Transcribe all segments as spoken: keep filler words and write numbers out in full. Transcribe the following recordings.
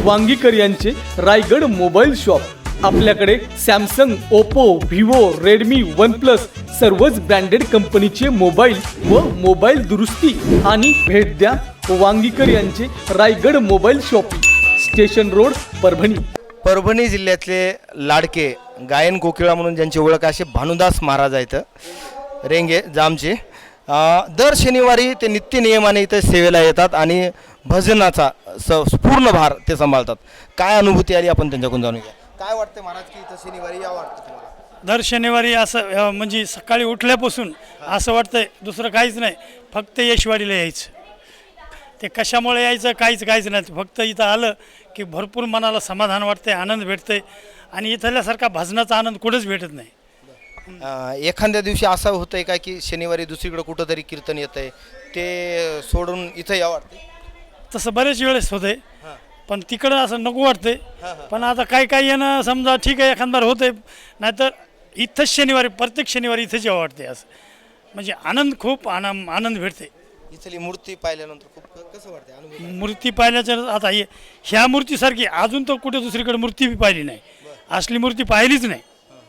वांगीकर यांचे Raigad mobile shop. आपल्याकडे Samsung, Oppo, Vivo, Redmi, OnePlus सर्वच ब्रँडेड कंपनीचे मोबाईल व मोबाईल दुरुस्ती आणि भेट द्या वांगीकर यांचे Raigad mobile shopping, station road, Parbhani. Parbhani जिल्ह्यातले लाडके गायन कोकिळा म्हणून ज्यांची ओळख असे भानुदास महाराज आहेत रेंगे जामचे। दर शनिवारी ते नित्य नियमाने इथे सेवेला येतात आणि भजनाचा स पूर्ण भार ते सांभाळतात। काय अनुभूती आली आपण त्यांच्याकडून जाणून घ्या। काय वाटतं महाराज की इथं शनिवारी या वाटतं तुम्हाला? दर शनिवारी असं म्हणजे सकाळी उठल्यापासून असं वाटतंय दुसरं काहीच नाही, फक्त यशवाडीला यायचं। ते कशामुळे यायचं काहीच काहीच नाही, फक्त इथं आलं की भरपूर मनाला समाधान वाटते, आनंद भेटते आणि इथल्यासारखा भजनाचा आनंद कुठेच भेटत नाही। एखाद्या दिवशी असं होतंय का की शनिवारी दुसरीकडे कुठंतरी कीर्तन येतंय ते सोडून इथं या वाटते? तसं बरेच वेळेस होते, पण तिकडं असं नको वाटते। पण आता काही काही येणं समजा ठीक आहे, एखादबार होते, नाहीतर इथंच शनिवारी प्रत्येक शनिवारी इथंच यावं वाटते। असं म्हणजे आनंद खूप आनंद आनंद भेटते। इथली मूर्ती पाहिल्यानंतर खूप कसं वाटते अनुभव? मूर्ती पाहिल्याच्या आता हे ह्या मूर्तीसारखी अजून तर कुठे दुसरीकडे मूर्ती बी पाहिली नाही, असली मूर्ती पाहिलीच नाही।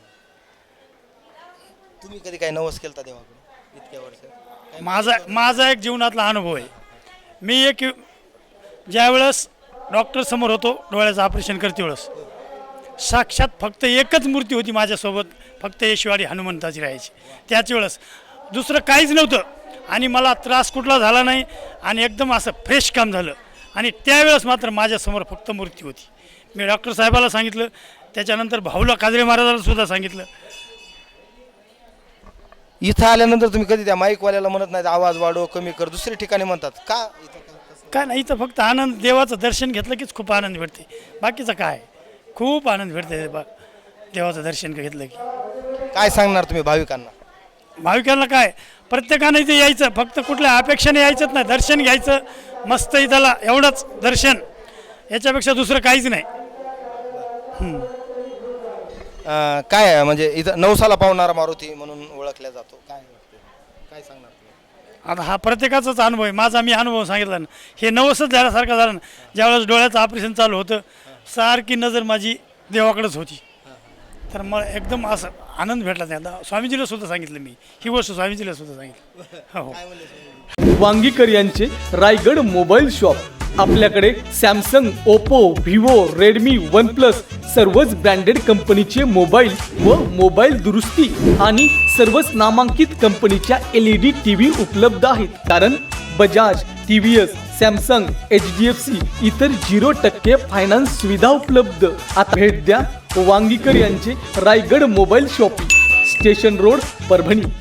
तुम्ही कधी काय नवस केलता देवाकडे इतक्या वर्ष? माझा माझा एक जीवनातला अनुभव आहे। मी एक ज्यावेळेस डॉक्टर समोर होतो डोळ्याचं ऑपरेशन करते वेळेस साक्षात फक्त एकच मूर्ती होती माझ्यासोबत, फक्त यशवाडी हनुमंताची राहायची त्याच वेळेस, दुसरं काहीच नव्हतं आणि मला त्रास कुठला झाला नाही आणि एकदम असं फ्रेश काम झालं। आणि त्यावेळेस मात्र माझ्यासमोर फक्त मूर्ती होती। मी डॉक्टर साहेबाला सांगितलं, त्याच्यानंतर भाऊला काजळे महाराजाला सुद्धा सांगितलं। इथं आल्यानंतर तुम्ही कधी त्या माईकवाल्याला म्हणत नाही आवाज वाढव कमी कर, दुसऱ्या ठिकाणी म्हणतात का? इथं काय नाही, इथं फक्त आनंद, देवाचं दर्शन घेतलं कीच खूप आनंद भेटते, बाकीचं काय खूप आनंद भेटते बा देवाचं दर्शन घेतलं की। काय सांगणार तुम्ही भाविकांना? भाविकांना काय, प्रत्येकानं इथे यायचं, फक्त कुठल्या अपेक्षेने यायचंच नाही, दर्शन घ्यायचं मस्त इथला, एवढंच दर्शन, याच्यापेक्षा दुसरं काहीच नाही। काय म्हणजे इथं नवसाला पावणारा मारुती म्हणून ओळखला जातो, काय काय सांगणार तुम्ही? आता हा प्रत्येकाचाच अनुभव आहे, माझा मी अनुभव सांगितला ना, हे नवसच झाल्यासारखं झालं ना। ज्यावेळेस डोळ्याचं ऑपरेशन चालू होतं सारखी नजर माझी देवाकडेच होती, तर मग एकदम असं आनंद भेटला त्याला। स्वामीजीला सुद्धा सांगितलं मी ही गोष्ट, स्वामीजीला सुद्धा सांगितलं। हो, वांगीकर यांचे रायगड मोबाईल शॉप। आपल्याकडे Samsung, Oppo, Vivo, Redmi, OnePlus सर्वच ब्रँडेड कंपनीचे मोबाईल व मोबाईल दुरुस्ती आणि सर्वच नामांकित कंपनीच्या एल ई डी टीव्ही उपलब्ध आहेत। कारण Bajaj, T V S, Samsung, H D F C इतर झिरो टक्के फायनान्स सुविधा उपलब्ध। आता भेट द्या वांगीकर यांचे Raigad mobile shopping, station road, Parbhani.